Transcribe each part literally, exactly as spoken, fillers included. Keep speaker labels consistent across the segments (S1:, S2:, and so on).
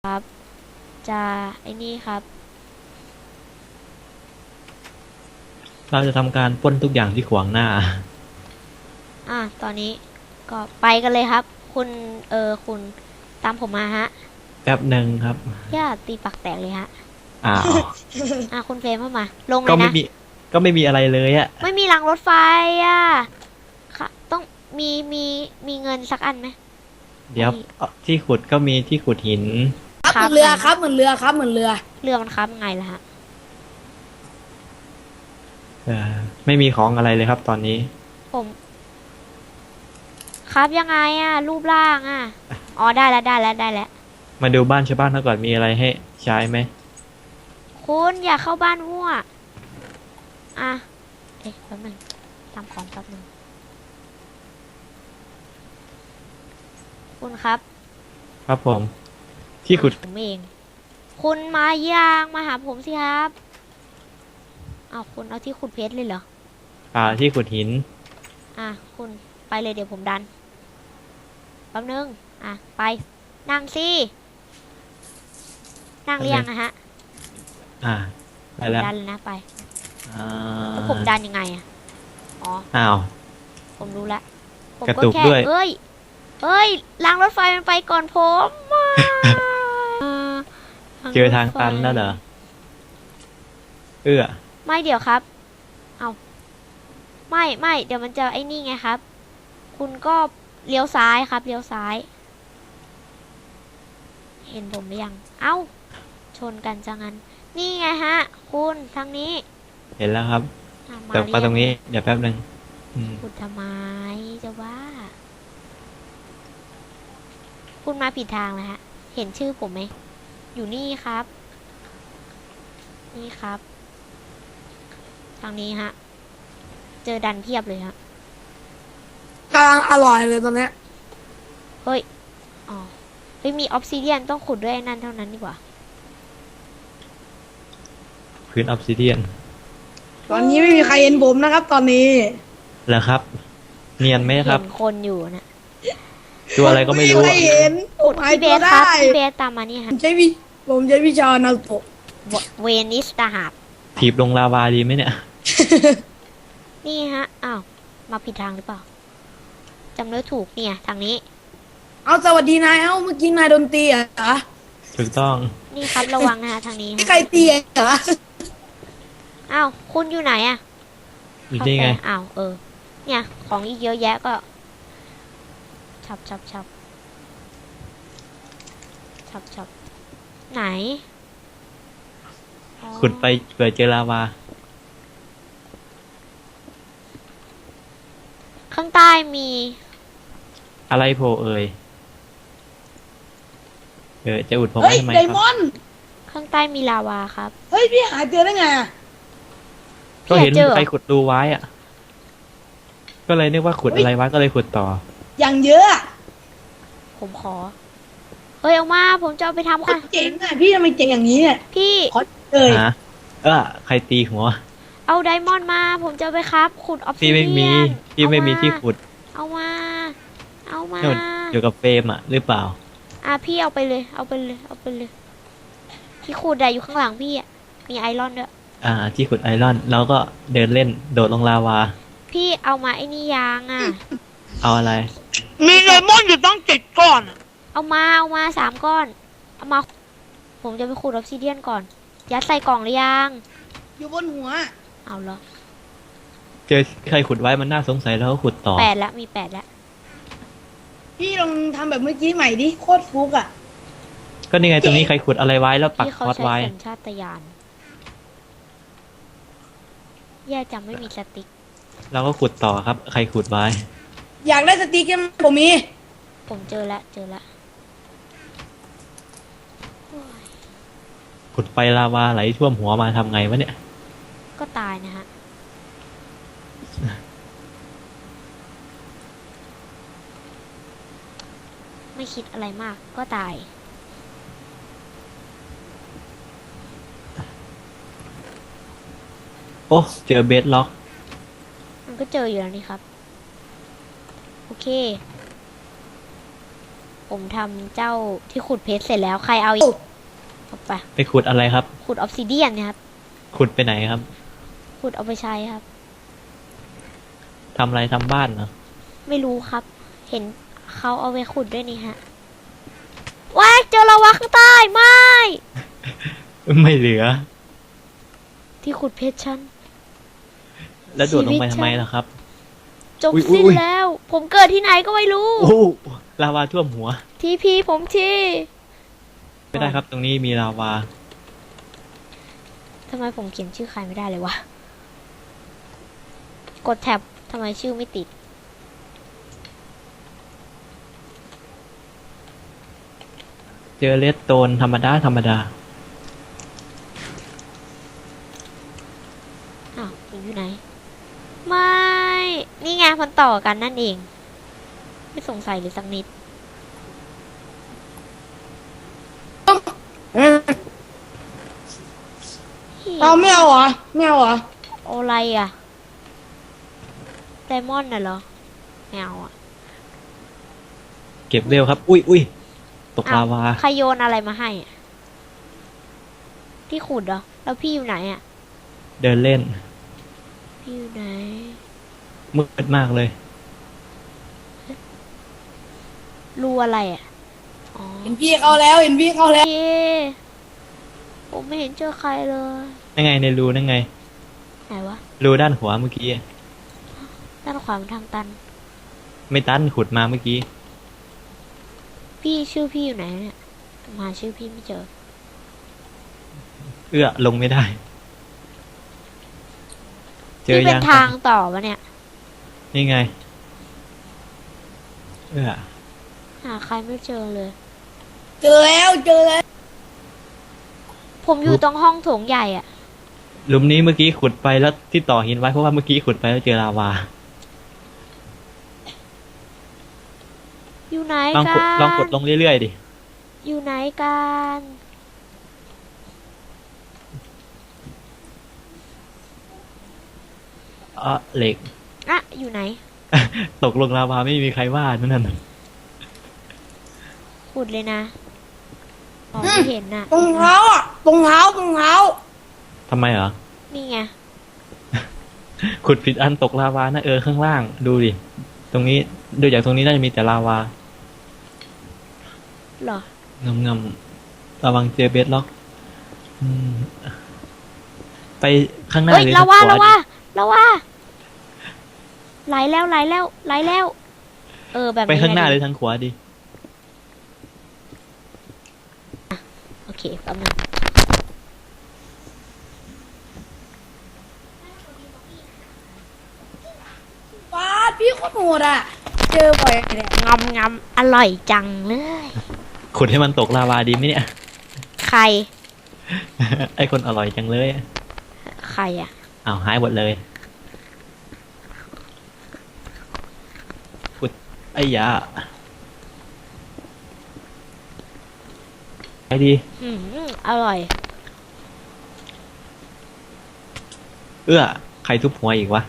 S1: ครับจะไอ้นี่ครับ
S2: เราจะทำการปล้นทุกอย่างที่ขวางหน้า
S1: อ่ะตอนนี้ก็ไปกันเลยครับ คุณเออคุณตามผมมาฮะ
S2: แป๊บหนึ่งครับ
S1: อย่าตีปักแตกเลยฮะ
S2: อ้าว
S1: อ่ะคุณเฟรมเข้ามาลงเล
S2: ก็
S1: ย
S2: ไม่
S1: นะ
S2: มีก็ไม่มีอะไรเลยอะ
S1: ไม่มีรางรถไฟอ่ะค่ะต้องมีมีมีเงินสักอันไหม
S2: เดี๋ยวเอาที่ขุดก็มีที่ขุดหิน
S3: ครับเหมือนเรือครับเหมือนเรือครับเหมือนเรือ
S1: เรือมันครับไงล่ะฮะ
S2: เออไม่มีของอะไรเลยครับตอนนี้
S1: ผมครับยังไงอ่ะรูปร่างอ่ะอ๋อได้แล้วได้แล้วได้แล้ว
S2: มาดูบ้านชาวบ้านเขาก่อนมีอะไรให้ใช้ไหม
S1: คุณอย่าเข้าบ้านมั่วอ่ะเอ๊ะแป๊บนึงทำของแป๊บนึงคุณครับ
S2: ครับผม ที่ขุด
S1: ผมเอง คุณมายังมาหาผมสิครับเอาคุณเอาที่ขุดเพชรเลยเหรอ
S2: อ่าที่ขุดหิน
S1: อ่ะคุณไปเลยเดี๋ยวผมดันแป๊บนึงอ่ะไปนั่งสินั่งเรียงนะฮะ
S2: อ่าไปแล้ว
S1: ดันเลยนะไป
S2: อ่า
S1: แล้วผมดันยังไงอ่ะอ๋อ
S2: อ้าว
S1: ผมรู้ละผม
S2: กระ
S1: ก็
S2: ตุก
S1: แค่
S2: ด้วย
S1: เอ้ยเอ้ยรางรถไฟมันไปก่อนผมอ่ะ
S2: เจอทางตันแล้วเหรอเอื้อ
S1: ไม่เดี๋ยวครับ เอาไม่ไม่เดี๋ยวมันจะไอ้นี่ไงครับ คุณก็เลี้ยวซ้ายครับเลี้ยวซ้าย เห็นผมหรือยัง เอ้า ชนกันจังงั้น นี่ไงฮะ คุณทางนี้
S2: เห็นแล้วครับ
S1: อ่ะ
S2: แต่
S1: เย
S2: มาตรงนี้เดี๋ยวแป๊บหนึ่งอืม
S1: คุณทำไมจะว่า คุณมาผิดทางแล้วฮะ เห็นชื่อผมไหม อยู่นี่ครับ นี่ครับ ทางนี้ฮะ เจอดันเพียบเลยฮะ
S3: กำลังอร่อยเลยตอนเนี้ย
S1: เฮ้ย อ๋อ เฮ้ย มีออฟซิเดียนต้องขุดด้วยไอ้นั่นเท่านั้นดีกว่า
S2: พื้นออฟซิเดียน
S3: ตอนนี้ไม่มีใครเห็นผมนะครับ ตอนนี้
S2: แล้วครับ เนียนไหมครับ
S1: เห็นคนอยู่นะ
S2: ตัวอะไรก็ไม่รู้
S3: ใคร
S2: อะ
S3: เห็นผมหาย
S1: พี่เบ
S3: ตัว
S1: สครับ
S3: ได้
S1: พี่เบสตามมานี่
S3: ผ
S1: ฮะ
S3: มใช้วิผมใช้วิชานารูโตะ
S1: เวนิสตาหาบ
S2: ถีบลงลาวาดีไหมเนี่ย
S1: นี่ฮะ อ้าว มาผิดทางหรือเปล่า จำเนื้อถูกเนี่ย ทางนี้
S3: เอาสวัสดีนายเอ้าเมื่อกี้นายโดนตีเหรอ
S2: ถูกต้อง
S1: นี่ครับระวังนะฮะทางนี้
S3: ไม่
S1: ฮะ
S3: ใครตีเหรอ
S1: อ้าว คุณอยู่ไหนอะ
S2: อยู่นี่ไง
S1: อ้าว เออ เนี่ย ของอีกเยอะแยะก็ ชับชับชับชับชับไหนอ๋อ
S2: ขุดไปเผื่อเจอลาวา
S1: ข้างใต้มี
S2: อะไรโผล่เอ่ยเออจะอุดผม
S3: เฮ้ย
S2: ทำไม
S3: ได
S2: ค
S3: ม
S2: รับ
S3: อนด์
S1: ข้างใต้มีลาวาครับ
S3: เฮ้ยพี่หายเจอได้ไงอะ
S2: ก็เห็น
S1: เจอ
S2: ใครขุดรูไว้อะก็เลยนึกว่าขุดอะไรไว้ก็เลยขุดต่อ
S3: อย่างเยอะอะ
S1: ผมขอ เฮ้ย เอามา ผมจะเอาไปทำค่ะ
S3: เจ๋งอะพี่ทำไมเจ๋งอย่างนี้เนี่ย
S1: พี่
S3: ขอเลย
S2: ฮะ เออใครตีหัว
S1: เอาไดมอนด์มา ผมจะเอาไปครับ ขุดออฟซิ
S2: พี่
S1: เดี
S2: ไม่
S1: ยน
S2: มีพี่ไม่มีที่ขุด
S1: เอามา เอามา
S2: นู่นอยู่กับเฟรมอ่ะ หรือเปล่า
S1: อ่ะพี่เอาไปเลย เอาไปเลย เอาไปเลย ที่ขุดอะอยู่ข้างหลังพี่อะมีไอรอนด้วย
S2: อ่า ที่ขุดไอรอนแล้วก็เดินเล่นโดดลงลาวา
S1: พี่เอามาไอ้นี่ยางอะ
S2: เอาอะไร
S3: มีไดมอนด์อยู่ต้องเจ็ดก้อน
S1: เอามา เอามาสามก้อน เอามา ผมจะไปขุดออฟซิเดียนก่อน ยัดใส่กล่องหรือยัง
S3: อยู่บนหัว
S1: เอาเหรอ
S2: เจอใครขุดไว้มันน่าสงสัยแล้วก็ขุดต่อ
S1: แปดแล้วมีแปดแล้ว
S3: พี่ลองทำแบบเมื่อกี้ใหม่ดิโคตรฟุกอะ
S2: ก็นี่ไงตรงนี้ใครขุดอะไรไว้แล้วปัก
S1: พี่
S2: ค
S1: เขา
S2: อร์ส
S1: ใช้
S2: ไว้
S1: สัญชาตญาณแย่จังไม่มีสติ๊ก
S2: เราก็ขุดต่อครับ ใครขุดไว้
S3: อยากได้สติ๊กเกอร์ผมมี
S1: ผมเจอแล้วเจอแล้วโอ้ย
S2: ขุดไปลาวาไหลท่วมหัวมาทำไงวะเนี่ย
S1: ก็ตายนะฮะ ไม่คิดอะไรมากก็ตาย
S2: โอ้เจอเบสล็อก
S1: มันก็เจออยู่แล้วนี่ครับ โอเคผมทำเจ้าที่ขุดเพชรเสร็จแล้วใครเอาอีกเอาไป
S2: ไปขุดอะไรครับ
S1: ขุดออฟซิเดียนเนี่ยครับ
S2: ขุดไปไหนครับ
S1: ขุดเอาไปใช้ครับ
S2: ทำอะไรทำบ้านเหรอ
S1: ไม่รู้ครับ เห็นเขาเอาไปขุดด้วยนี่ฮะว้ายเจอลาวาข้างใต้ไม่
S2: ไม่เหลือ
S1: ที่ขุดเพชรฉัน
S2: แล้วโดดลงไปทำไมล่ะครับ
S1: จบ
S2: อุ๊ย
S1: สิ้น
S2: อุ๊ย
S1: แล้ว ผมเกิดที่ไหนก็ไม่รู้
S2: โอ้ลาวาท่วมหัว
S1: ทีพีผมที
S2: ไม่ได้ครับ ตรงนี้มีลาวา
S1: ทำไมผมเขียนชื่อใครไม่ได้เลยวะ กดแท็บทำไมชื่อไม่ติด
S2: เจอเลสโตนธรรมดาธรรมดา
S1: อ้าวมันอยู่ไหน ไม่ นี่ไงมันต่อกันนั่นเอง ไม่สงสัยเลยสักนิด
S3: เราไม่เอาเหรอไม่เอาเหรอ
S1: โออะไรอ่ะไดมอนด์น่ะเหรอไม่เอาอ่ะ
S2: เก็บเร็วครับ อุ้ยอุ้ยตก
S1: อ้
S2: ลาวา
S1: ใครโยนอะไรมาให้อะที่ขุดเหรอ แล้วพี่อยู่ไหนอ่ะ
S2: เดินเล่น
S1: พี่อยู่ไหน
S2: มืดมากเลย
S1: รูอะไรอ่ะ อ๋อ
S3: เห็นพี่เขาแล้ว เห็นพี่เขาแล้ว
S1: เย้ผมไม่เห็นเจอใครเลย
S2: นั่นไงในรูนั่นไง
S1: ไหนวะ
S2: รูด้านขวาเมื่อกี้
S1: ด้านขวามันทางตัน
S2: ไม่ตันขุดมาเมื่อกี้
S1: พี่ชื่อพี่อยู่ไหนเนี่ยผมหาชื่อพี่ไม่เจอ
S2: เอื้อลงไม่ได้ เจอ
S1: นี่เป็
S2: ยั
S1: น
S2: ง
S1: ทางต่อปะเนี่ย
S2: นี่ไง เอื้อ
S1: หาใครไม่เจอเลย
S3: เจอแล้ว เจอแล้ว
S1: ผมอยู่ตรงห้องโถงใหญ่อ่ะ
S2: หลุมนี้เมื่อกี้ขุดไปแล้วที่ต่อหินไว้เพราะว่าเมื่อกี้ขุดไปแล้วเจอลาวา
S1: อยู่ไหน
S2: ลอง
S1: กั
S2: กด
S1: น
S2: ลองกดลงเรื่อยๆดิ
S1: อยู่ไหนกัน
S2: อ่ะเหล็ก
S1: อะอยู่ไหน
S2: ตกลงลาวาไม่มีใครว่านั่นน่ะ
S1: ขุดเลยนะมองไม่เห็นน่ะ
S3: ตรงเท้าอ่ะ ตรงเท้า ตรงเท้า
S2: ทำไมเหรอ
S1: นี่ไง
S2: ขุดผิดอันตกลาวานะเออข้างล่าง ดูดิ ตรงนี้ดูจากตรงนี้น่าจะมีแต่ลาวา
S1: เหรอ
S2: งำงำระวังเจอเบสล็อกอืมไปข้างหน้า
S1: เฮ้ย
S2: หรือ
S1: ละ
S2: ทาง
S1: ว่า
S2: ขวา
S1: ละ
S2: ดิ
S1: ว่าละว่าไหลแล้วไหลแล้วไหลแล้ว เออแบบนี้
S2: ไปข้างหน้าห
S1: เล
S2: รื
S1: ย
S2: อทางขวาดิ
S1: โอเคแป๊บนึง
S3: ว้าพี่โคตรโหดอ่ะ เจอบ่อยเลย
S1: งำงำอร่อยจังเลย
S2: ขุดให้มันตกลาวาดีไหมเนี่ย
S1: ใคร
S2: ไอคนอร่อยจังเลย
S1: ใครอ่ะ
S2: อ้าวหายหมดเลยขุดไอ้ยาไปดี
S1: อืมอร่อย
S2: เอื้อใครทุบหัวอีกวะ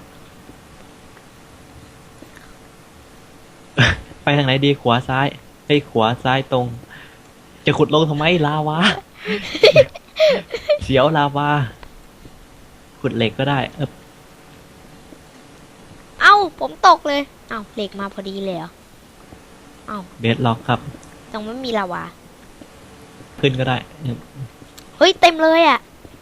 S2: ไปทางไหนดีขวาซ้ายไอ้ยขวาซ้ายตรง จะขุดลงทำไมลาวา เสียวลาวา ขุดเหล็กก็ได้เออ
S1: เอ้า ผมตกเลย เอ้าเหล็กมาพอดีเลยเหรอ เอ้า
S2: เบสล็อกครับ
S1: ตรงไม่มีลาวา
S2: ขึ้นก็ได้
S1: เฮ้ย เต็มเลยอ่ะ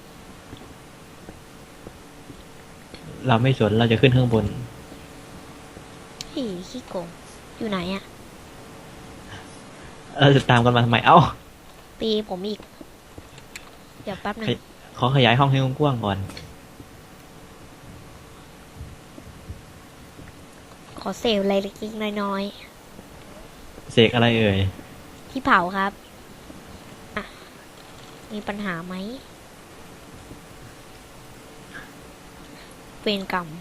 S2: เราไม่สนเราจะขึ้นข้างบน
S1: พี่ขี้โกง อยู่ไหนอ่ะ
S2: เราจะตามกันมาทำไม เอ้า
S1: ตีผมอีก เดี๋ยวแป๊บหนึง
S2: ขอขยายห้องให้กว้างๆก่อน
S1: ขอเซลอะไรเล็กๆน้อย
S2: เสกอะไรเอ่ย
S1: ๆ ที่เผาครับอ่ะมีปัญหาไหมเวรกรรม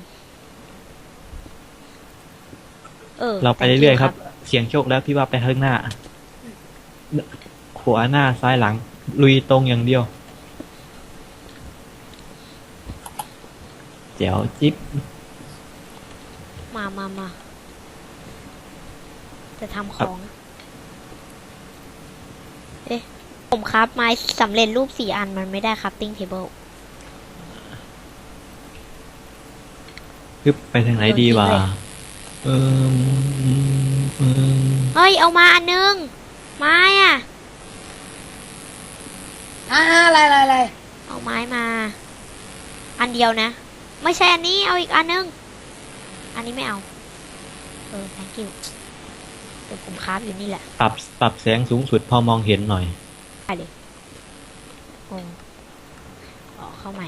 S1: เออ
S2: เราไป
S1: thank you
S2: เรื่อยๆครับ เสียงโชคแล้วพี่ว่าไปข้างหน้า ขวาหน้าซ้ายหลัง ลุยตรงอย่างเดียว แจ๋วจิ๊บ
S1: มามามา จะทำของผมครับไม้สำเร็จรูปสี่อันมันไม่ได้ครับติ้งเทเบิล
S2: คือไปทางไหนดีวะ
S1: โดนทิ้งเลย
S2: เออเออ
S1: เฮ้ย เอามาอันนึง ไม้อะ
S3: อ่าอะไรอะไรอะไร
S1: เอาไม้มา อันเดียวนะ ไม่ใช่อันนี้เอาอีกอันนึง อันนี้ไม่เอา เออ thank you เดี๋ยวผมคราฟอยู่นี่แหละ
S2: ปรับปรับแสงสูงสุดพอมองเห็นหน่อย
S1: ไปเลยโอ้ออกเข้าใหม่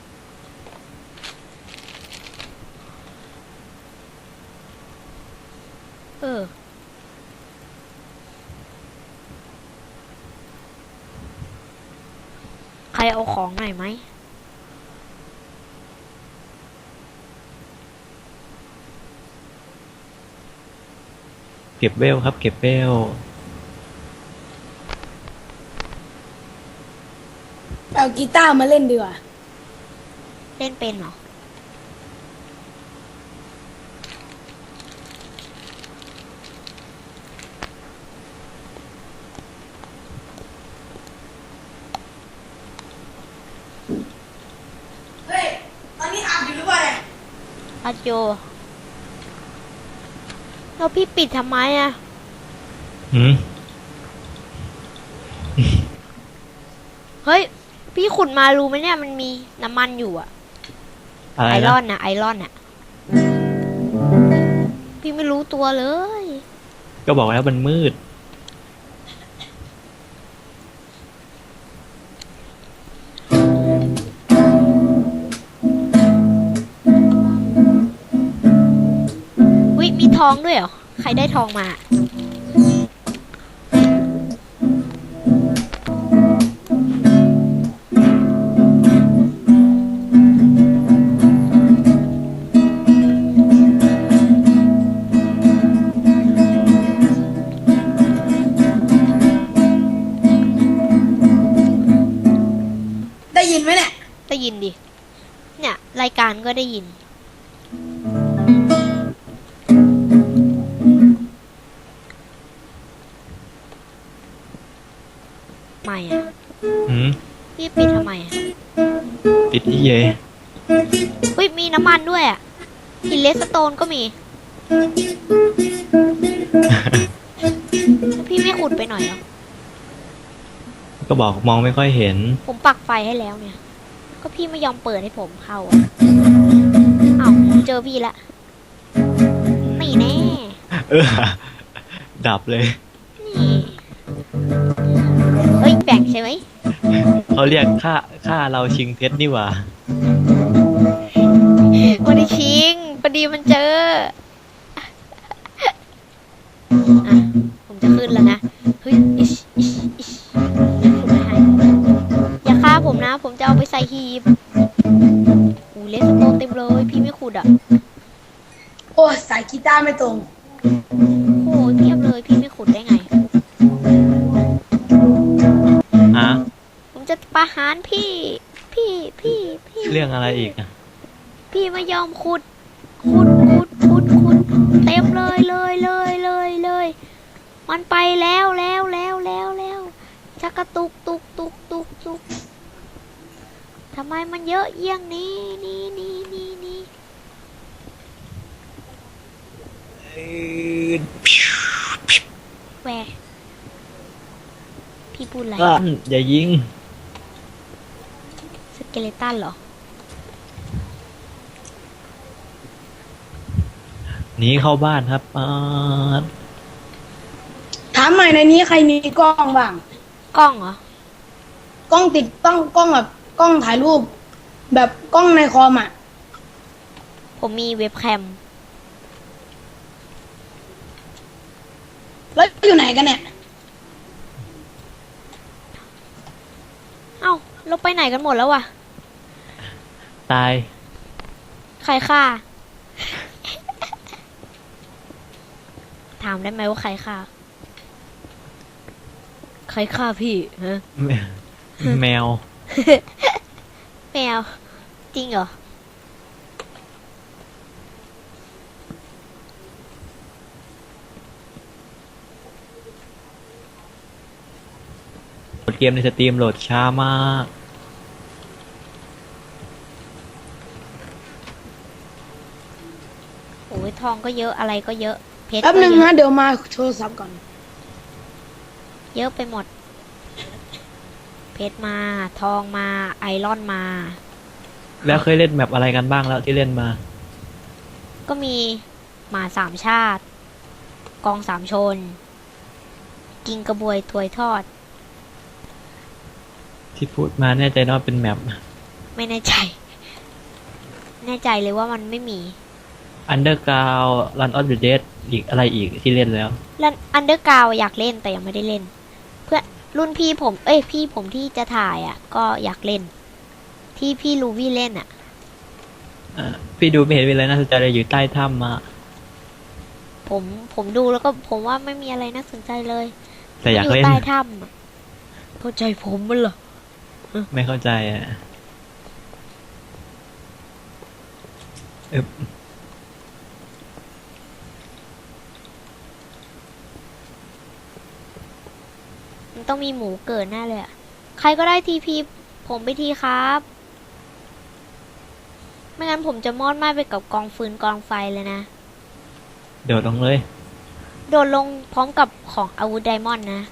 S1: เออ ใครเอาของหน่อยไหม
S2: เก็บเวลครับ เก็บเวล
S3: เอากีตาร์มาเล่นดีกว่า
S1: เล่นเป็นเหรอ
S3: เฮ้ย ตอนนี้อาบอยู่หรือเปล่าเนี่ย
S1: อัดโยแล้วพี่ปิดทำไมอะ
S2: หืม
S1: เฮ้ย พี่ขุดมารู้ไหมเนี่ย มันมีน้ำมันอยู่อะ
S2: อะไร
S1: ไอร
S2: นะ
S1: อนนะไอรอนอะพี่ไม่รู้ตัวเลย
S2: ก็บอกแล้วมันมืด
S1: วิมีทองด้วยเหรอ ใครได้ทองมา
S3: ได้ยินไหมเนี่ย
S1: ได้ยินดิ เนี่ย รายการก็ได้ยิน ไม่อะ
S2: หืม
S1: พี่ปิดทำไมอะ
S2: ติดอีเย
S1: เฮ้ย มีน้ำมันด้วยอะหินเลสโตนก็มี พี่ไม่ขุดไปหน่อยเหรอ
S2: ก็บอกมองไม่ค่อยเห็น
S1: ผมปักไฟให้แล้วเนี่ย ก็พี่ไม่ยอมเปิดให้ผมเข้าอะอ้าวผมเจอพี่ละไม่แน่
S2: เออ ดับเลย
S1: นี่ เฮ้ย แบ่งใช่ไหม
S2: เขาเรียกค่าค่าเราชิงเพชรนี่หว่า
S1: วันนี้ชิงพอดีมันเจอ อ่ะ ผมจะขึ้นแล้วนะ เฮ้ยอิชอิชอิชผมไม่ให้อย่าฆ่าผมนะ ผมจะเอาไปใส่หีบอู้เลสโตนเต็มเลย พี่ไม่ขุดอ่ะ
S3: โอ้ยสายกีตาร์ไม่ตรง
S1: โอ้ยเทียบเลย พี่ไม่ขุดได้ไง
S2: ฮะ
S1: ผมจะประหารพี่ พี่ พี่ พี่
S2: เรื่องอะไรอีกอะ
S1: พี่ไม่ยอมขุด ขุด ขุด ขุด ขุด เต็มเลยเลยเลยเลยเลย มันไปแล้วแล้วแล้วแล้วแล้วชักกระตุกตุกตุกตุกตุกทำไมมันเยอะเยี่ยงนี้นี่นี่นี่นี่แหวพี่พูดอะไร
S2: ลั่นอย่ายิง
S1: สเกเลตันเหรอ
S2: หนีเข้าบ้านครับอ่า
S3: ถามหน่อยในนี้ใครมีกล้องบ้าง
S1: กล้องเหรอ
S3: กล้องติดต้องกล้องแบบกล้องถ่ายรูป แบบกล้องในคอมอ่ะ
S1: ผมมีเว็บแคม
S3: แล้วอยู่ไหนกันเนี่ย
S1: เอ้าเราไปไหนกันหมดแล้ววะ
S2: ตาย
S1: ใครฆ่า ถามได้ไหมว่าใครฆ่า ใครฆ่าพี่ฮะ
S2: แมแมว
S1: แมว จริงเหรอ
S2: กดเกมในสตรีมโหลดช้ามาก
S1: โอ้ยทองก็เยอะอะไรก็เยอะเพชร
S3: แป๊บ
S1: ก็
S3: นึง
S1: เย
S3: นะ
S1: อะ
S3: เดี๋ยวมาโทรศัพท์ก่อน
S1: เยอะไปหมด เพชรมาทองมาไอรอนมา
S2: แล้วเคยเล่นแมปอะไรกันบ้างแล้วที่เล่นมา
S1: ก็มีหมาสามชาติ กองสามชน กิงกระบวยถวยทอด
S2: ที่พูดมาแน่ใจนะว่าเป็นแมป
S1: ไม่แน่ใจ แน่ใจเลยว่ามันไม่มี
S2: Underground Run of the Dead อีกอะไรอีกที่เล่นแล้ว
S1: แล้วอันเดอร์กราวอยากเล่นแต่ยังไม่ได้เล่น เพื่อนรุ่นพี่ผม เอ้ยพี่ผมที่จะถ่ายอ่ะ ก็อยากเล่น ที่พี่ลูวี่เล่นอ่ะ
S2: อ่าพี่ดูไม่เห็นมีอะไรน่าสนใจเลยอยู่ใต้ถ้ำมา
S1: ผมผมดูแล้วก็ผมว่าไม่มีอะไรน่าสนใจเลย
S2: แต่อยาก
S1: มัน
S2: เล่น
S1: ใต้ถ้ำอะเข้าใจผมมันเหรอ
S2: ไม่เข้าใจอ่ะเอบ
S1: มันต้องมีหมูเกิดแน่เลยอะใครก็ได้ทีพีผมไปทีครับ ไม่งั้นผมจะมอดไหม้ไปกับกองฟืนกองไฟเลยนะ
S2: เดี๋ยวลงเลย
S1: โดดลงพร้อมกับของอาวุธไดมอนด์นะ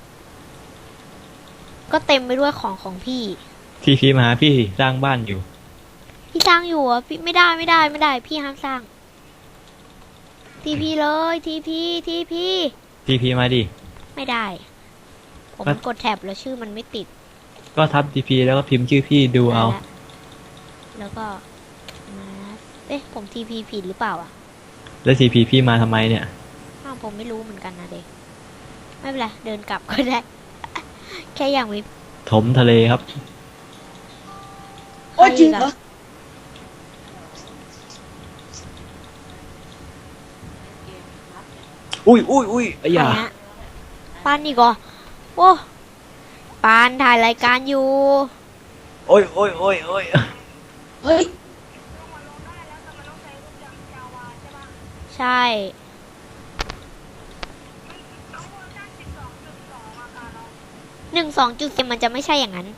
S1: ก็เต็มไปด้วยของของพี่
S2: ทีพีมาหาพี่สร้างบ้านอยู่
S1: พี่สร้างอยู่อ่ะพี่ไม่ได้ไม่ได้ไม่ได้ พี่ห้ามสร้าง ทีพีเลยทีพีทีพี
S2: ทีพีมาดิ
S1: ไม่ได้ ผม
S2: ก็
S1: กดแท็บแล้วชื่อมันไม่ติด
S2: ก็ทับทีพีแล้วก็พิมพ์ชื่อพี่ดูเอา
S1: ได้ละแล้วก็มาเอ๊ะผมทีพีผิดหรือเปล่าอ่ะ
S2: แล้วทีพีพี่มาทำไมเนี่ย
S1: อ้าวผมไม่รู้เหมือนกันนะเด็กไม่เป็นไรเดินกลับก็ได้ แค่อย่างมี
S2: ถมทะเลครับ
S3: โอ้ยจริงเหรอ
S2: อุ้ยอุ้ยอุ้ยไอ้
S1: ใคร
S2: ยา
S1: ฮะปานอีกเหรอโอ้ปานถ่ายรายการอยู่
S2: โอ้ยโอ้ยโอ้ยโอ้ย
S3: เฮ้ย
S1: ใช่หนึ่งสองจุดสิมันจะไม่ใช่อย่างนั้น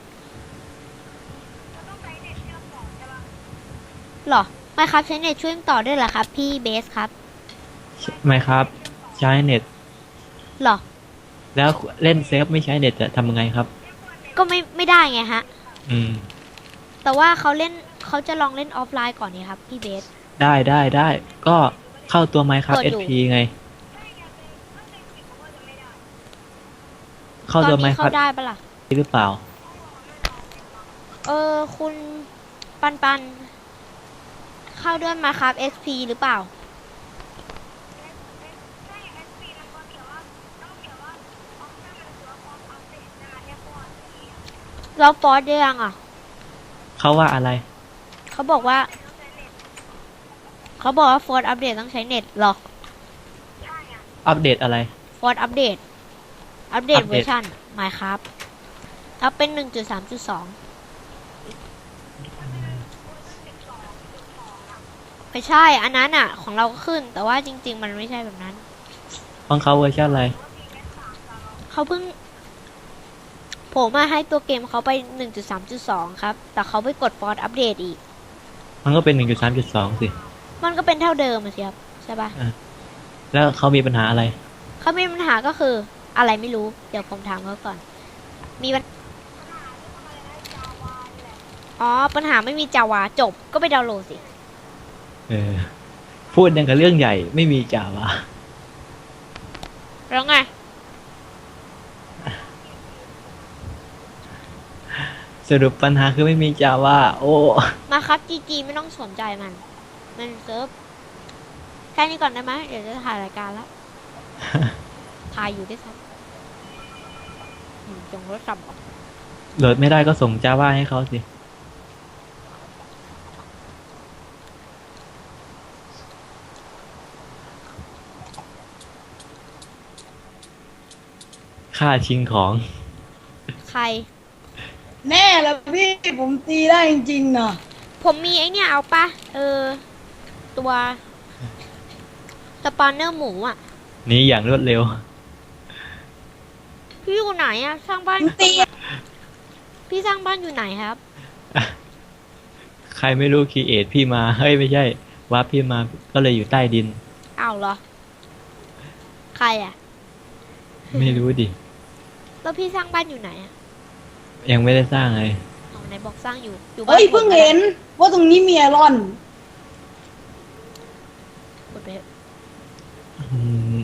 S1: หรอไม่ครับใช้เน็ตช่วยต่อด้วยเหรอครับ พี่เบสครับ
S2: ไม่ครับ ใช้เน็ต
S1: หรอ
S2: แล้วเล่นเซฟไม่ใช้เน็ตจะทำยังไงครับ
S1: ก็ไม่ไม่ได้ไงฮะ
S2: อืม
S1: แต่ว่าเขาเล่นเขาจะลองเล่นออฟไลน์ก่อนนี่ครับ พี่เบส
S2: ได้ได้ได้ ก็เข้าตัวไมค์ครับ
S1: เปิดอยู่
S2: เอส พี ไง เข้า
S1: ตอ
S2: ตัวน ไม
S1: นี้
S2: ค์ค
S1: เข้า
S2: รับ
S1: ได้ปะล่ะ
S2: หรือเปล่า
S1: เออคุณปันปัน เข้าด้วยมาครับ เอส พี หรือเปล่า เราฟอร์ดได้ยังอ่ะ
S2: เขาว่าอะไร
S1: เขาบอกว่า เขาบอกว่าฟอร์ดอัปเดตต้องใช้เน็ตหรอ
S2: อัปเดตอะไร
S1: ฟอร์ดอัปเดต อัปเดต
S2: อัปเดต
S1: เวอร์ชันมาครับอัปเป็นหนึ่งจุดสามจุดสองไม่ใช่ อันนั้นอ่ะ ของเราก็ขึ้น แต่ว่าจริง ๆ มันไม่ใช่แบบนั้น
S2: ของเขาเวอร์ชันอะไร
S1: เขาเพิ่ง ผมมาให้ตัวเกมเขาไป หนึ่งจุดสามจุดสอง ครับ แต่เขาไปกดฟอร์ดอัปเดตอีก
S2: มันก็เป็น หนึ่งจุดสามจุดสอง สิ
S1: มันก็เป็นเท่าเดิมอะสิครับ ใช่ปะ
S2: แล้วเขามีปัญหาอะไร
S1: เขามีปัญหาก็คือ อะไรไม่รู้ เดี๋ยวผมถามเขาก่อน มีปัญอ๋อ ปัญหาไม่มีจาวาจบ ก็ไปดาวน์โหลดสิ
S2: เออ พูดยังกับเรื่องใหญ่ไม่มีจ่าวะ
S1: แล้วไง
S2: สรุปปัญหาคือไม่มีจ่าวะโอ้
S1: มาครับจีจีไม่ต้องสนใจมัน มันเซิร์ฟแค่นี้ก่อนได้ไหมเดี๋ยวจะถ่ายรายการแล้ว ถ่ายอยู่ด้วยซ้ำอืมจงรถสับออก
S2: โหลดไม่ได้ก็ส่งจาวะให้เขาสิ ค่าชิงของ
S1: ใคร
S3: แน่แล้วพี่ผมตีได้จริงๆนะ
S1: ผมมีไอเนี่ยเอาปะเออ ตัวสปอนเนอร์หมูอ่ะ
S2: นี้อย่างรวดเร็ว
S1: พี่อยู่ไหนอะสร้างบ้าน
S3: ผมตี
S1: พี่สร้างบ้านอยู่ไหนครับ
S2: ใครไม่รู้คีเอทพี่มาเฮ้ยไม่ใช่วาร์ปพี่มาก็เลยอยู่ใต้ดิน
S1: อ้าวเหรอ ใครอ่ะ
S2: ไม่รู้ดิ
S1: แล้วพี่สร้างบ้านอยู่ไหนอ่ะ
S2: ยังไม่ได้สร้างเลย
S1: เอาไหนบอกสร้างอยู่ อยู่บ้าน
S3: เอ้ย
S1: ผม
S3: เพิ่งเห็นว่าตรงนี้มีไอรอน
S1: กดไปเถอะ
S2: อืม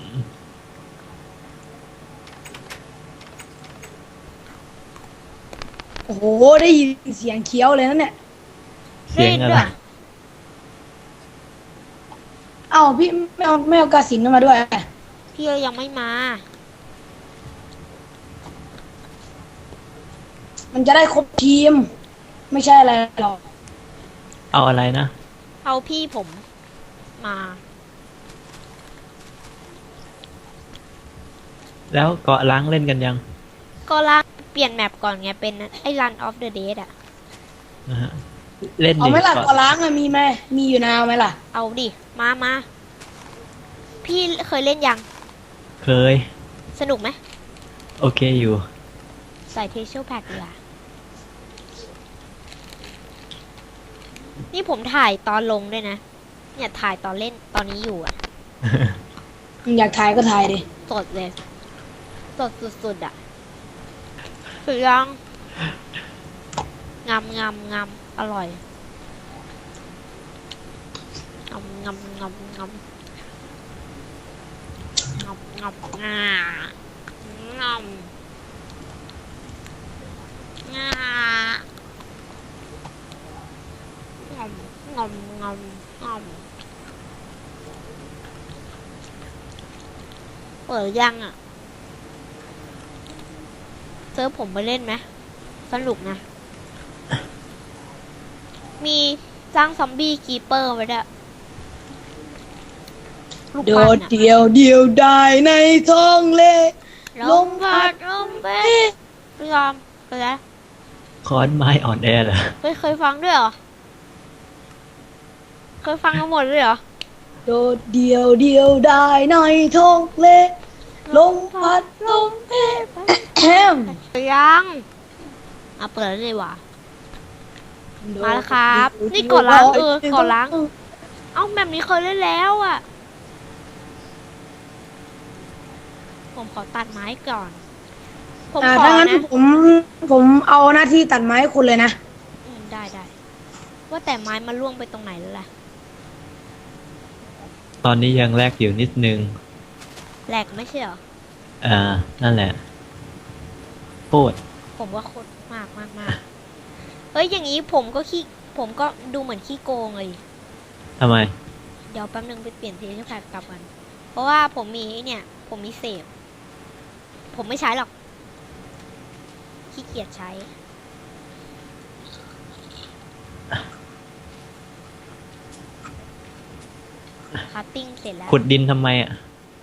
S3: โอ้โหได้ยินเสียงเคี้ยวเลยนั่นเนี่ย
S2: เสียงอะไร
S3: เอ้าพี่ไม่เอาไม่เอากาสินมาด้วย
S1: พี่ยังไม่มา
S3: มันจะได้ครบทีม ไม่ใช่อะไรหรอก
S2: เอาอะไรนะ
S1: เอาพี่ผมมา
S2: แล้วเกาะล้างเล่นกันยัง
S1: ก็ลากเปลี่ยนแมปก่อนไง เป็นไอ้ Run of the Dead อ่ะ
S2: นะฮะเล่น
S3: เอา
S2: ดิ
S3: ไหมล่ะ
S2: เกาะ
S3: ตัวล้างอะมีไหมมีอยู่นะเอาไหมล่ะ
S1: เอาดิ มามา พี่เคยเล่นยัง
S2: เคย
S1: สนุกไหม
S2: โอเคอยู่
S1: ใส่เทเชลแพ็กดีกว่านี่ผมถ่ายตอนลงด้วยนะ เนี่ยถ่ายตอนเล่นตอนนี้อยู่อ่ะ
S3: อยากถ่ายก็ถ่ายดิ
S1: สดเลย สดสุดๆอ่ะสุดยังงามงามงามอร่อยงามงามงามงามงามงามงางามงางามงามงามงามเปิดยังอ่ะเซิร์ฟผมไปเล่นไหมสนุกนะ มีสร้างซอมบี้คีเปอร์ไว้ด้วยลูก
S3: โด
S1: ปั้น
S3: ด
S1: อะ
S3: เดียวเดียวได้ในท้องเละ
S1: ลมพัดลมเป็ดไม่ยอมไปแล้ว
S2: คอนไม้อ่อนแอเหรอ
S1: เคยเคยฟังด้วยเหรอ เคยฟังกันหมดเลยเหรอ
S3: โดดเดียวเดียวได้ในท้องเละลมพัดลมเพแฮม
S1: ยังอ่ะเปิดแล้วเลยว่ะ มาแล้วครับ นี่กดล้างเออกดล้าง เอ้าแบบนี้เคยเล่นแล้วอ่ะ ผมขอตัดไม้ก่อน ผม
S3: อ่า
S1: ขอ
S3: ถ้างั้น
S1: นะ
S3: ผมผมเอาหน้าที่ตัดไม้ให้คุณเลยนะ
S1: อืมได้ได้ ว่าแต่ไม้มันล่วงไปตรงไหนแล้วล่ะ
S2: ตอนนี้ยังแลกอยู่นิดนึง
S1: แหลกไม่ใช่เหรอ
S2: อ่า นั่นแหละโคตร
S1: ผมว่าโคตรมากมากมากเฮ้ย อย่างนี้ผมก็ขี้ ผมก็ดูเหมือนขี้โกงเลย
S2: ทำไม
S1: เดี๋ยวแป๊บนึงไปเปลี่ยนเทสแพ็กกลับกัน เพราะว่าผมมีไอ้เนี่ย ผมมีเสพ ผมไม่ใช้หรอก ขี้เกียจใช้ คัตติ้งเสร็จแล้ว
S2: ขุดดินทำไมอ่ะ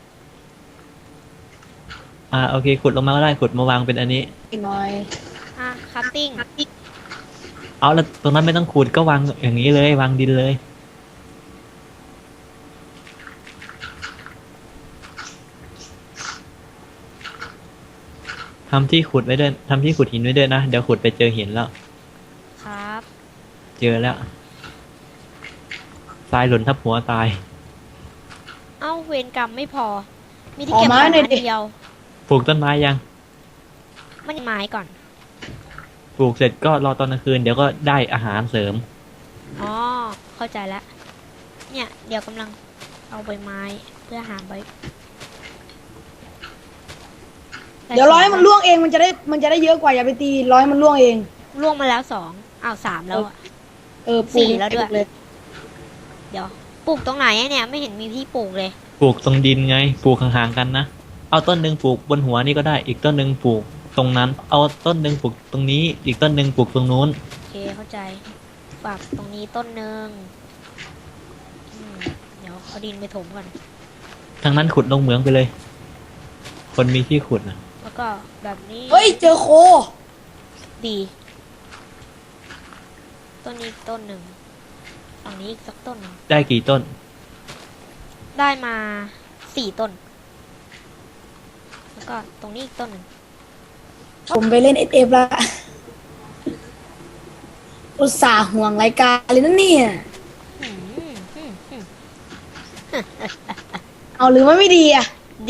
S2: อ่าโอเค ขุดลงมาก็ได้ ขุดมาวางเป็นอันนี้
S3: อีกหน่อย
S1: อ่ะ คัตติ้ง
S2: เอาแล้วตรงนั้นไม่ต้องขุดก็วางอย่างนี้เลย วางดินเลย ทำที่ขุดไว้ด้วยทำที่ขุดหินไว้ด้วยนะ เดี๋ยวขุดไปเจอหินแล้ว
S1: ครับ
S2: เจอแล้วทรายหล่นทับหัวตาย
S1: เอ้า เวรกรรมไม่พอ มีที่เก็บไม้อันเดียว
S2: ปลูกต้นไม้ยัง
S1: มันไม้ก่อน
S2: ปลูกเสร็จก็รอตอนกลางคืน เดี๋ยวก็ได้อาหารเสริม
S1: อ๋อ เข้าใจแล้ว เนี่ย เดี๋ยวกำลังเอาใบไม้เพื่อหาใบ
S3: เดี๋ยวร้อยมันล่วงเองมันจะได้มันจะได้เยอะกว่าอย่าไปตีร้อยมันล่วงเอง
S1: ล่วงมาแล้วสองอ้าวสามแล้วอะ
S3: เออ
S1: สี่แล้วด้วย
S3: เลย
S1: เดี๋ยว ปลูกตรงไหนอะเนี่ย ไม่เห็นมีที่ปลูกเลย
S2: ปลูกตรงดินไง ปลูกห่างๆกันนะ เอาต้นหนึ่งปลูกบนหัวนี่ก็ได้ อีกต้นหนึ่งปลูกตรงนั้น เอาต้นหนึ่งปลูกตรงนี้ อีกต้นหนึ่งปลูกตรงนู้น
S1: โอเคเข้าใจปรับตรงนี้ต้นหนึ่งอืมเดี๋ยวเอาดินไปถมก่อน
S2: ทางนั้นขุดลงเหมืองไปเลย คนมีที่ขุดนะ
S1: แล้วก็แบบนี้
S3: เฮ้ยเจอโค
S1: ดี ต้นนี้อีกต้นหนึ่งฝั่งนี้อีกสักต้นหนึ่ง
S2: ได้กี่ต้น
S1: ได้มาสี่ต้น แล้วก็ตรงนี้อีกต้นหนึ่ง
S3: ผมไปเล่นเอฟเอฟละอุตส่าห์ห่วงรายการเลยนะเนี่ย
S1: อืมอืมอืม
S3: เอาหรือว่าไม่ดีอ่ะ
S1: ดี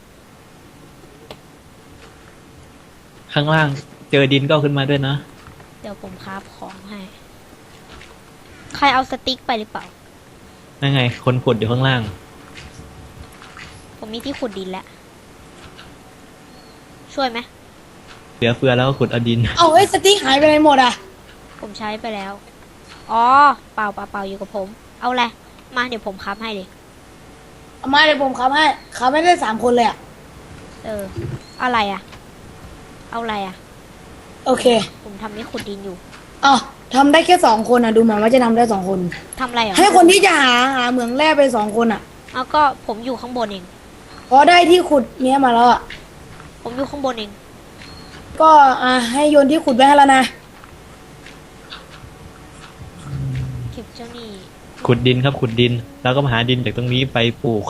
S2: ข้างล่างเจอดินก็เอาขึ้นมาด้วยนะ
S1: เดี๋ยวผมคราฟของให้ ใครเอาสติ๊กไปหรือเปล่า
S2: นั่นไง คนขุดอยู่ข้างล่าง
S1: ผมมีที่ขุดดินแล้ว ช่วยไหม
S2: เหลือเฟือแล้วก็ขุดเอาดิน
S3: เอาเฮ้ยสติ๊กหายไปไหนหมดอ่ะ
S1: ผมใช้ไปแล้ว อ๋อ เปล่าเปล่าเปล่าอยู่กับผม เอาแหละไรมาเดี๋ยวผมคราฟให้เลย
S3: เอามาเดี๋ยวผมขับให้ขับไม่ได้สามคนเลยอ่ะ
S1: เออ อะไรอ่ะ เอาอะไรอ่ะ
S3: โอเค
S1: ผมทำนี่ขุดดินอยู่
S3: อ๋อทำได้แค่สองคนอ่ะ ดูเหมือนว่าจะทำได้สองคน
S1: ทำอะไรอ่ะ
S3: ให้คนที่จะหาหาเหมืองแร่ไปสองคนอ่ะ
S1: เอาก็ผมอยู่ข้างบนเอง
S3: พอได้ที่ขุดเนี้ยมาแล้วอ่ะ
S1: ผมอยู่ข้างบนเอง
S3: ก็อ่ะให้โยนที่ขุดไว้ให้แล้วนะ
S1: เก็บเจ้านี่
S2: ขุดดินครับขุดดิน แล้วก็มาหาดินจากตรงนี้ไปปลูก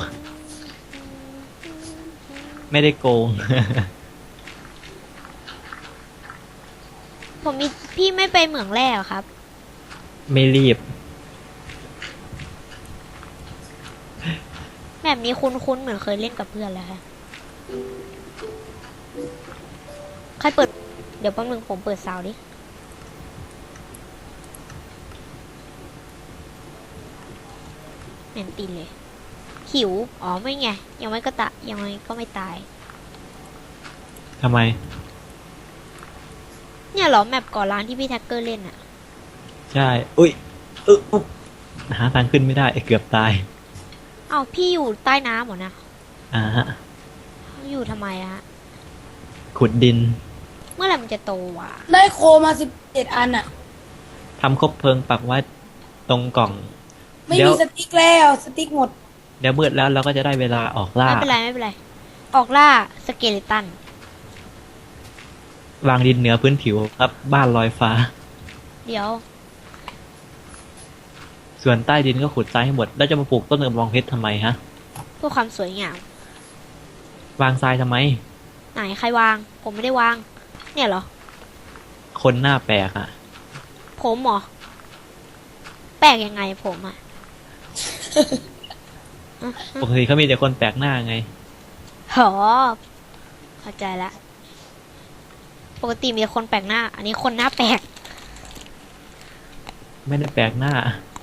S2: ไม่ได้โกง
S1: ผมมีพี่ไม่ไปเหมืองแร่เหรอครับ
S2: ไม่รีบ
S1: แบบนี้คุ้นๆเหมือนเคยเล่นกับเพื่อนแล้วค่ะใครเปิด เดี๋ยวแป๊บนึงผมเปิดซาวด์ดิ แมนตินเลย หิว อ๋อไม่ไง ยังไม่ก็ตะยังไม่ก็ไม่ตาย
S2: ทำไม
S1: เนี่ยเหรอแมปก่อร้านที่พี่แท็กเกอร์เล่นอะ
S2: ใช่ อุ้ยเอออุ๊บหาทางขึ้นไม่ได้เกือบตาย
S1: เอ้าพี่อยู่ใต้น้ำเหรอนะ
S2: อ่าฮะ
S1: อยู่ทำไมอะฮะ
S2: ขุดดิน
S1: เมื่อไหร่มันจะโตวะ
S3: ได้โคมาสิบเจ็ดอันอ่ะ
S2: ทำคบเพลิงปักไว้ตรงกล่อง
S3: ไม่
S2: เดี๋ยว
S3: มีสติ๊กแล้วสติ๊กหมด
S2: เดี๋ยวมืดแล้วเราก็จะได้เวลาออกล่า
S1: ไม่เป็นไรไม่เป็นไร ออกล่าสเกเลตัน
S2: วางดินเหนือพื้นผิวครับ บ้านลอยฟ้า
S1: เดี๋ยว
S2: ส่วนใต้ดินก็ขุดทรายให้หมด แล้วจะมาปลูกต้นกระบองเพชรทำไมฮะ
S1: เพื่อความสวยงาม
S2: วางทรายทำไม
S1: ไหนใครวาง ผมไม่ได้วาง เนี่ยเหรอ
S2: คนหน้าแปลกอ่ะ
S1: ผมเหรอ แปลกยังไงผมอะ
S2: ปกติเขามีแต่คนแปลกหน้าไง
S1: หอเข้าใจละ ปกติมีแต่คนแปลกหน้า อันนี้คนหน้าแปลก
S2: ไม่ได้แปลกหน้า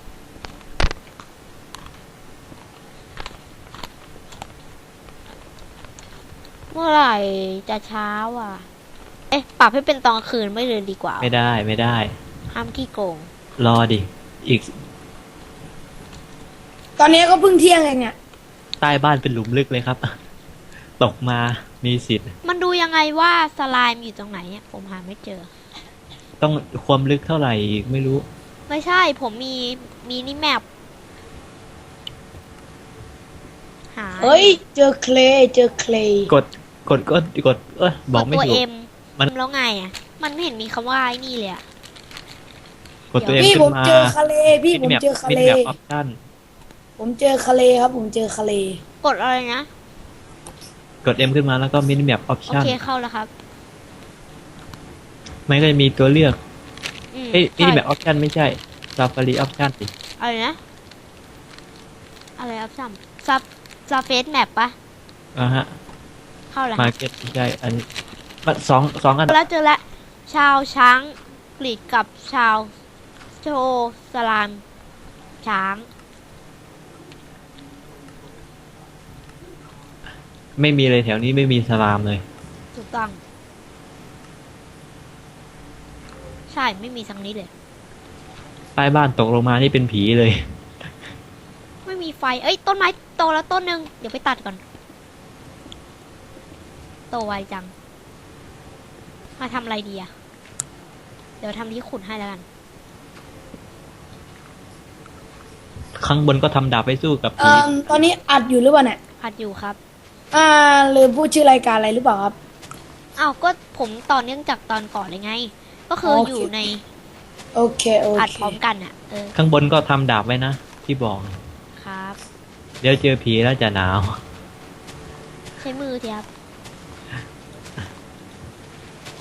S1: เมื่อไหร่จะเช้าอ่ะ เอ๊ะ ปรับให้เป็นตอนกลางคืนไม่เลยดีกว่า
S2: ไม่ได้ไม่ได้
S1: ห้ามขี้โกง
S2: รอดิ อีก
S3: ตอนนี้ก็เพิ่งเที่ยงเองเนี่ย
S2: ใต้บ้านเป็นหลุมลึกเลยครับ ตกมามีสิทธิ์
S1: มันดูยังไงว่าสไลม์อยู่ตรงไหนเนี่ยผมหาไม่เจอ
S2: ต้องความลึกเท่าไหร่อีกไม่รู้
S1: ไม่ใช่ ผมมีมีนี่แมปหา
S3: เฮ้ย เจอเคลย์เจอเคลย์
S2: กดกดก็กด เออบอกไม่
S1: ตัว
S2: ถูก
S1: เอ็ม
S2: มัน
S1: แล้วไงอ่ะ มันไม่เห็นมีคำว่าไอ้นี่เลยอ่ะ
S2: กดตัวเอง
S3: พี่
S2: ขึ้
S3: ผม
S2: นมา
S3: เจอคาเลพี่ผม
S2: มินิแมป
S3: เจอคา
S2: มิ
S3: เล
S2: นิแมปออปชั่น
S3: ผมเจอคาเลครับ ผมเจอคาเล
S1: กดอะไรนะ
S2: กด M ขึ้นมาแล้วก็มินิแมปออป
S1: โอ
S2: ชั่น
S1: เคเข้าแล้วครับ
S2: มันก็จะมีตัวเลือก
S1: อืม
S2: เอ้ยมินิ
S1: ใช่
S2: แมปออปชั่นไม่ใช่ซาฟารีออปชั่นสิ
S1: อะไรนะ อะไรอัพซัมซับซับเฟสแมปปะ
S2: อ่าฮะ
S1: เข้าแล้ว
S2: มาเก็ตไม่ใช่อันนี้มันสองสองอัน
S1: แล้วเจอแล้วชาวช้างกรีดกับชาวโชสลามช้าง
S2: ไม่มีเลยแถวนี้ไม่มีสลามเลย
S1: ถูกต้อง ใช่ไม่มีสักนิดเลย
S2: ใต้บ้านตกลงมานี่เป็นผีเลย
S1: ไม่มีไฟ เอ้ย ต้นไม้โตแล้วต้นหนึ่งเดี๋ยวไปตัดก่อน โตไวจัง มาทำอะไรดีอะเดี๋ยวทำที่ขุดให้แล้วกัน
S2: ข้างบนก็ทำดาบไปสู้กับ
S3: เอ่
S2: ผี
S3: อตอนนี้อัดอยู่หรือเปล่าเนี่ย
S1: อัดอยู่ครับ
S3: อ่าหรือพูดชื่อรายการอะไรหรือเปล่าครับ
S1: อ้าวก็ผมต่อเนื่องจากตอนก่อนเลยไง ก็คือ
S3: โอเค
S1: อยู่ใน
S3: โอเคโอ
S1: อัด
S3: เค
S1: พร้อมกันอะเออ
S2: ข้างบนก็ทำดาบไว้นะ ที่บอก
S1: ครับ
S2: เดี๋ยวเจอผีแล้วจะหนาว
S1: ใช้มือทีครับ